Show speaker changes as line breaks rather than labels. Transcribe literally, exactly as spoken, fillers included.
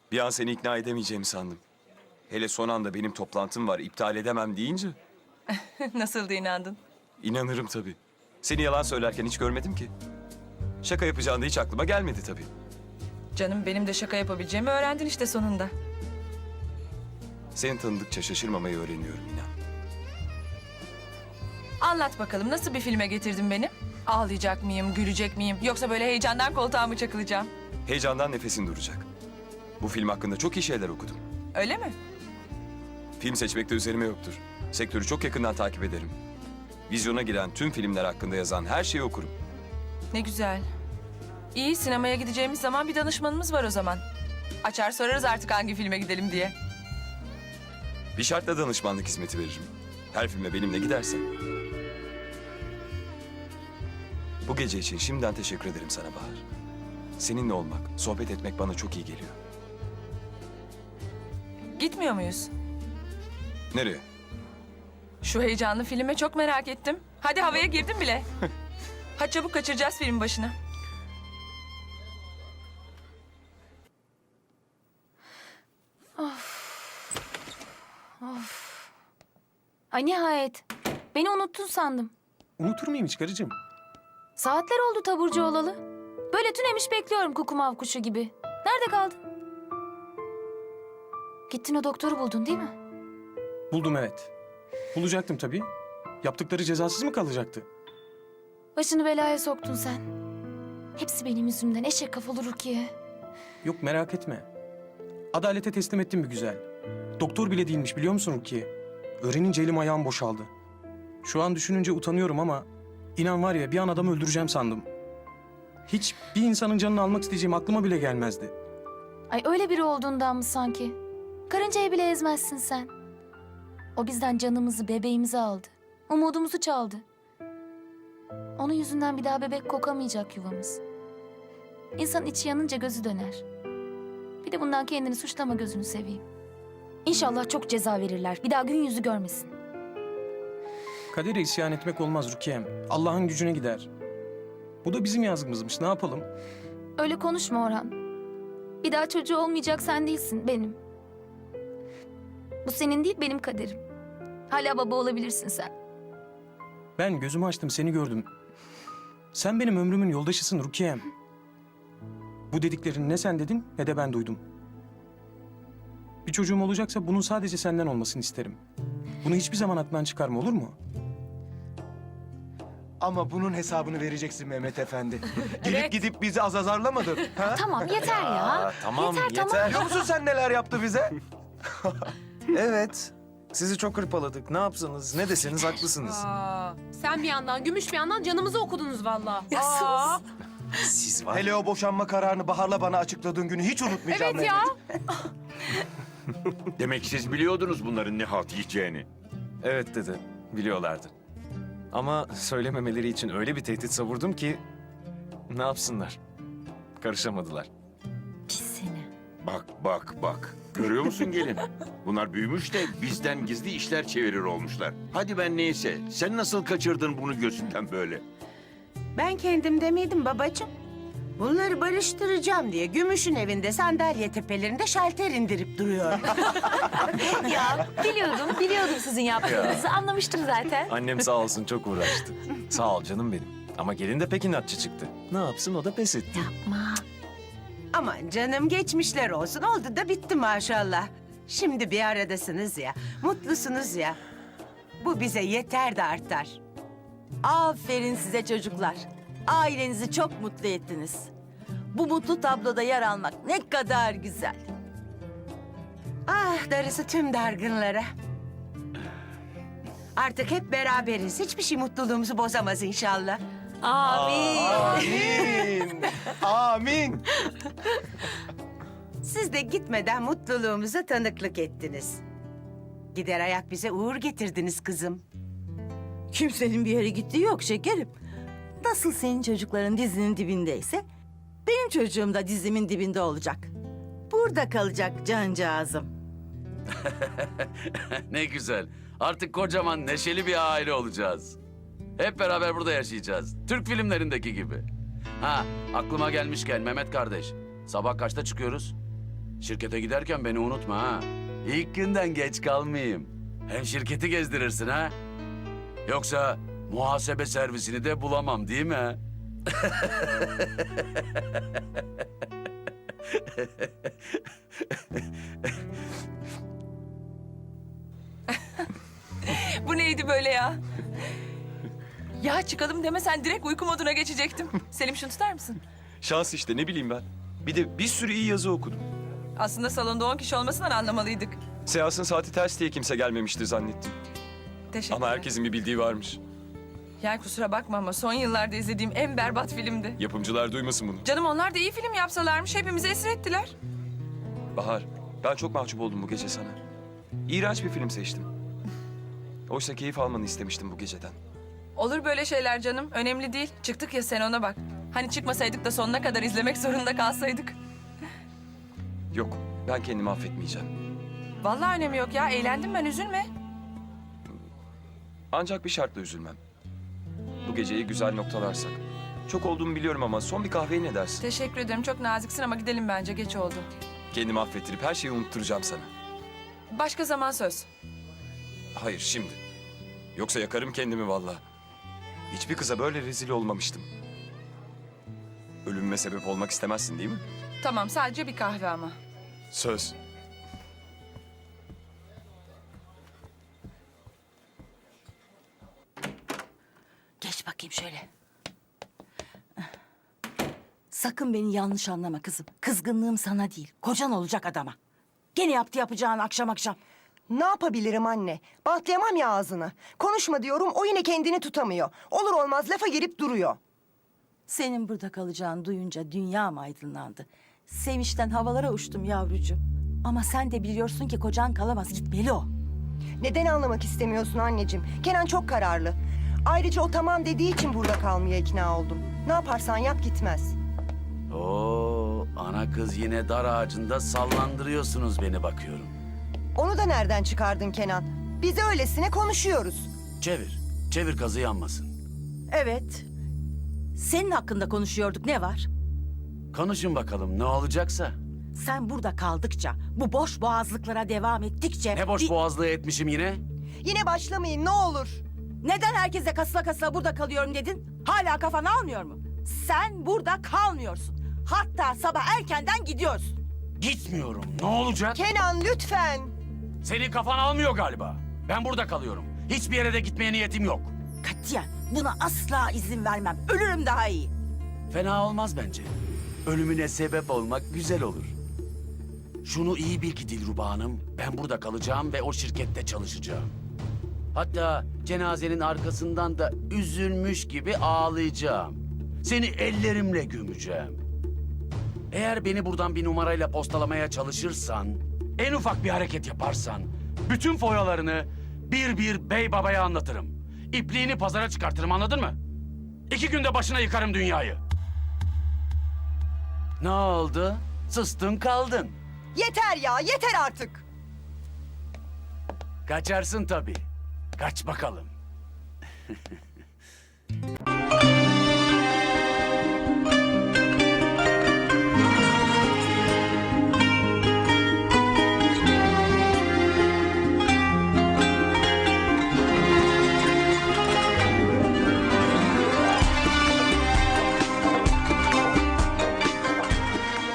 Bir an seni ikna edemeyeceğimi sandım. Hele son anda benim toplantım var, iptal edemem deyince
Nasıl da inandın?
inanırım tabii. Seni yalan söylerken hiç görmedim ki. Şaka yapacağın da hiç aklıma gelmedi tabii.
Canım benim de şaka yapabileceğimi öğrendin işte sonunda.
Seni tanıdıkça şaşırmamayı öğreniyorum inan.
Anlat bakalım nasıl bir filme getirdin beni? Ağlayacak mıyım, gülecek miyim? Yoksa böyle heyecandan koltuğa mı çakılacağım?
Heyecandan nefesin duracak. Bu film hakkında çok iyi şeyler okudum.
Öyle mi?
Film seçmekte üzerime yoktur. Sektörü çok yakından takip ederim. Vizyona giren tüm filmler hakkında yazan her şeyi okurum.
Ne güzel. İyi, sinemaya gideceğimiz zaman bir danışmanımız var o zaman. Açar sorarız artık hangi filme gidelim diye.
Bir şartla danışmanlık hizmeti veririm. Her filme benimle gidersen. Bu gece için şimdiden teşekkür ederim sana Bahar. Seninle olmak, sohbet etmek bana çok iyi geliyor.
Gitmiyor muyuz?
Nereye?
Şu heyecanlı filme çok merak ettim. Hadi havaya girdim bile. Hadi çabuk kaçıracağız film başına.
Ay nihayet. Beni unuttun sandım.
Unutur muyum hiç karıcığım?
Saatler oldu taburcu olalı. Böyle tünemiş bekliyorum kukumav kuşu gibi. Nerede kaldın? Gittin o doktoru buldun değil mi?
Buldum evet. Bulacaktım tabii. Yaptıkları cezasız mı kalacaktı?
Başını belaya soktun sen. Hepsi benim yüzümden eşek kafalı Rukiye.
Yok merak etme. Adalete teslim ettim bir güzel. Doktor bile değilmiş biliyor musun Rukiye? Öğrenince elim ayağım boşaldı. Şu an düşününce utanıyorum ama... inan var ya bir an adamı öldüreceğim sandım. Hiç bir insanın canını almak isteyeceğim aklıma bile gelmezdi.
Ay öyle biri olduğundan mı sanki? Karıncayı bile ezmezsin sen. O bizden canımızı, bebeğimizi aldı. Umudumuzu çaldı. Onun yüzünden bir daha bebek kokamayacak yuvamız. İnsanın içi yanınca gözü döner. Bir de bundan kendini suçlama gözünü seveyim. İnşallah çok ceza verirler. Bir daha gün yüzü görmesin.
Kadere isyan etmek olmaz Rukiye'm. Allah'ın gücüne gider. Bu da bizim yazgımızmış ne yapalım?
Öyle konuşma Orhan. Bir daha çocuğu olmayacak sen değilsin, benim. Bu senin değil, benim kaderim. Hala baba olabilirsin sen.
Ben gözümü açtım seni gördüm. Sen benim ömrümün yoldaşısın Rukiye'm. Bu dediklerini ne sen dedin ne de ben duydum. Bir çocuğum olacaksa bunun sadece senden olmasını isterim. Bunu hiçbir zaman aklından çıkarma olur mu?
Ama bunun hesabını vereceksin Mehmet Efendi. Gelip
Evet.
gidip bizi azazarlamadın. Ha?
Tamam, yeter ya.
Tamam
Yeter, tamam.
Biliyor musun sen neler yaptı bize?
Evet. Sizi çok hırpaladık. Ne yapsanız, ne deseniz haklısınız.
Aa, sen bir yandan, Gümüş bir yandan canımızı okudunuz vallahi. Aa,
Siz var.
Hele o boşanma kararını Bahar'la bana açıkladığın günü hiç unutmayacağım
evet
Mehmet.
ya.
Demek siz biliyordunuz bunların ne halt yiyeceğini.
Evet dedi. Biliyorlardı. Ama söylememeleri için öyle bir tehdit savurdum ki... ne yapsınlar? Karışamadılar.
Pis seni.
Bak bak bak. Görüyor musun gelin? Bunlar büyümüş de bizden gizli işler çevirir olmuşlar. Hadi ben neyse. Sen nasıl kaçırdın bunu gözünden böyle?
Ben kendim demeydim babacığım. Bunları barıştıracağım diye Gümüş'ün evinde sandalye tepelerinde şalter indirip duruyor.
Ya biliyordum, biliyordum sizin yaptığınızı. Anlamıştım zaten.
Annem sağ olsun çok uğraştı. Sağ ol canım benim. Ama gelin de pek inatçı çıktı. Ne yapsın o da pes etti.
Yapma.
Aman canım geçmişler olsun. Oldu da bitti maşallah. Şimdi bir aradasınız ya, mutlusunuz ya. Bu bize yeter de artar.
Aferin size çocuklar. Ailenizi çok mutlu ettiniz. Bu mutlu tabloda yer almak ne kadar güzel.
Ah darısı tüm dargınlara. Artık hep beraberiz. Hiçbir şey mutluluğumuzu bozamaz inşallah.
Amin.
Amin. Amin.
Siz de gitmeden mutluluğumuza tanıklık ettiniz. Gider ayak bize uğur getirdiniz kızım.
Kimsenin bir yere gittiği yok şekerim. Nasıl senin çocukların dizinin dibindeyse... benim çocuğum da dizimin dibinde olacak. Burada kalacak cancağızım.
Ne güzel. Artık kocaman neşeli bir aile olacağız. Hep beraber burada yaşayacağız. Türk filmlerindeki gibi. Ha, aklıma gelmişken Mehmet kardeş. Sabah kaçta çıkıyoruz? şirkete giderken beni unutma ha. İlk günden geç kalmayayım. Hem şirketi gezdirirsin ha. Yoksa muhasebe servisini de bulamam değil mi?
Bu neydi böyle ya? Ya çıkalım demesen direkt uyku moduna geçecektim. Selim şunu tutar mısın?
Şans işte, ne bileyim ben. Bir de bir sürü iyi yazı okudum.
Aslında salonda on kişi olmasından anlamalıydık.
Seansın saati ters diye kimse gelmemiştir zannettim.
Teşekkürler.
Ama herkesin bir bildiği varmış.
Ya kusura bakma ama son yıllarda izlediğim en berbat filmdi.
Yapımcılar duymasın bunu.
Canım onlar da iyi film yapsalarmış hepimizi esir ettiler.
Bahar, ben çok mahcup oldum bu gece sana. İğrenç bir film seçtim. Oysa keyif almanı istemiştim bu geceden.
Olur böyle şeyler canım. Önemli değil. Çıktık ya sen ona bak. Hani çıkmasaydık da sonuna kadar izlemek zorunda kalsaydık.
Yok, ben kendimi affetmeyeceğim.
Vallahi önemi yok ya. Eğlendim ben üzülme.
Ancak bir şartla üzülmem. Bu geceyi güzel noktalarsak. Çok olduğumu biliyorum ama son bir kahveye ne dersin?
Teşekkür ederim. Çok naziksin ama gidelim bence. Geç oldu.
Kendimi affettirip her şeyi unutturacağım sana.
Başka zaman söz.
Hayır, şimdi. Yoksa yakarım kendimi vallahi. Hiçbir kıza böyle rezil olmamıştım. Ölümüme sebep olmak istemezsin değil mi?
Tamam sadece bir kahve ama.
Söz.
Geç bakayım şöyle. Sakın beni yanlış anlama kızım. Kızgınlığım sana değil, kocan olacak adama. Gene yaptı yapacağını akşam akşam.
Ne yapabilirim anne? Bantlayamam ya ağzını. Konuşma diyorum, o yine kendini tutamıyor. Olur olmaz lafa girip duruyor.
Senin burada kalacağını duyunca dünyam aydınlandı. Sevinçten havalara uçtum yavrucuğum. Ama sen de biliyorsun ki kocan kalamaz, gitmeli o.
Neden anlamak istemiyorsun anneciğim? Kenan çok kararlı. Ayrıca o tamam dediği için burada kalmaya ikna oldum. Ne yaparsan yap gitmez.
Oo, ana kız yine dar ağacında sallandırıyorsunuz beni bakıyorum.
Onu da nereden çıkardın Kenan? Biz öylesine konuşuyoruz.
Çevir, çevir kazı yanmasın.
Evet. Senin hakkında konuşuyorduk, ne var?
Konuşun bakalım ne olacaksa.
Sen burada kaldıkça, bu boş boğazlıklara devam ettikçe...
Ne boş
bir-
boğazlığı etmişim yine?
Yine başlamayın ne olur.
Neden herkese kasıla kasıla burada kalıyorum dedin? Hala kafan almıyor mu? Sen burada kalmıyorsun. Hatta sabah erkenden gidiyorsun.
Gitmiyorum. Ne olacak?
Kenan lütfen.
Senin kafan almıyor galiba. Ben burada kalıyorum. Hiçbir yere de gitmeye niyetim yok.
Katiyen buna asla izin vermem. Ölürüm daha iyi.
Fena olmaz bence. Ölümüne sebep olmak güzel olur. Şunu iyi bil ki Dilruba Hanım, ben burada kalacağım ve o şirkette çalışacağım. Hatta cenazenin arkasından da üzülmüş gibi ağlayacağım. Seni ellerimle gömeceğim. Eğer beni buradan bir numarayla postalamaya çalışırsan, en ufak bir hareket yaparsan, bütün foyalarını bir bir bey babaya anlatırım. İpliğini pazara çıkartırım, anladın mı? İki günde başına yıkarım dünyayı. Ne oldu? Sustun kaldın.
Yeter ya yeter artık.
Kaçarsın tabii. Kaç bakalım.